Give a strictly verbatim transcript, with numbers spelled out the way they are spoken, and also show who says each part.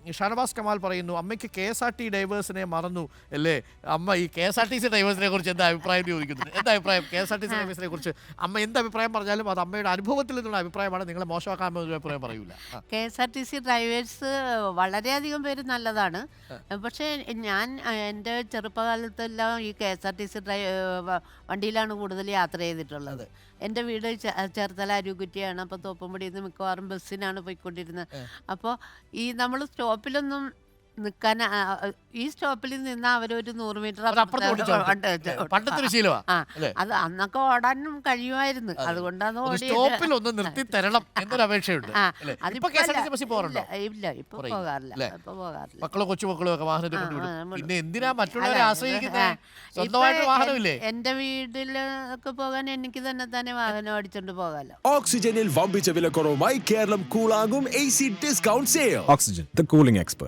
Speaker 1: ഷാനവാസ് കമാൽ പറയുന്നു, അമ്മയ്ക്ക് K S R T ഡ്രൈവേഴ്സിനെ മറന്നു അല്ലേ? അമ്മ ഈ K S R T C ഡ്രൈവേഴ്സിനെ കുറിച്ച് എന്താ അഭിപ്രായം ചോദിക്കുന്നത്? എന്താ അഭിപ്രായം K S R T C ഡ്രൈവേഴ്സിനെ കുറിച്ച്? അമ്മ എന്ത് അഭിപ്രായം പറഞ്ഞാലും അത് അമ്മയുടെ അനുഭവത്തിൽ നിന്നുള്ള അഭിപ്രായമാണ്, നിങ്ങളെ മോശമാക്കാൻ ഒരു അഭിപ്രായം പറയൂല.
Speaker 2: K S R T C drivers വളരെയധികം പേര് നല്ലതാണ്. പക്ഷേ ഞാൻ എൻ്റെ ചെറുപ്പകാലത്തെല്ലാം ഈ K S R T C ഡ്രൈ വണ്ടിയിലാണ് കൂടുതൽ യാത്ര ചെയ്തിട്ടുള്ളത്. എൻ്റെ വീട് ചേർത്തല അരുകുറ്റിയാണ്. അപ്പോൾ തോപ്പുംപടിയിൽ നിന്ന് മിക്കവാറും ബസ്സിനാണ് പോയിക്കൊണ്ടിരുന്നത്. അപ്പോൾ ഈ നമ്മൾ സ്റ്റോപ്പിലൊന്നും നിൽക്കാൻ, ഈ സ്റ്റോപ്പിൽ നിന്ന് അവരൊരു നൂറ് മീറ്റർ അത് അന്നൊക്കെ ഓടാനും കഴിയുമായിരുന്നു. അതുകൊണ്ടാണ് ഇല്ല, ഇപ്പൊ പോകാറില്ല ഇപ്പൊ പോകാറില്ല
Speaker 1: മക്കളോ കൊച്ചുമക്കളോ ഒക്കെ വാഹനത്തിൽ കൊണ്ടുവിടും. പിന്നെ എന്തിനാ മറ്റുള്ളവരെ ആശ്രയിക്കുന്നത്?
Speaker 2: എന്റെ വീട്ടിലൊക്കെ പോകാൻ എനിക്ക് തന്നെ തന്നെ വാഹനം ഓടിച്ചോണ്ട് പോകാലോ.
Speaker 3: ഓക്സിജനിൽ വമ്പിച്ച വിലക്കുറവുമായി കേരളം കൂളാകും A C discount sale. Oxygen, the cooling expert.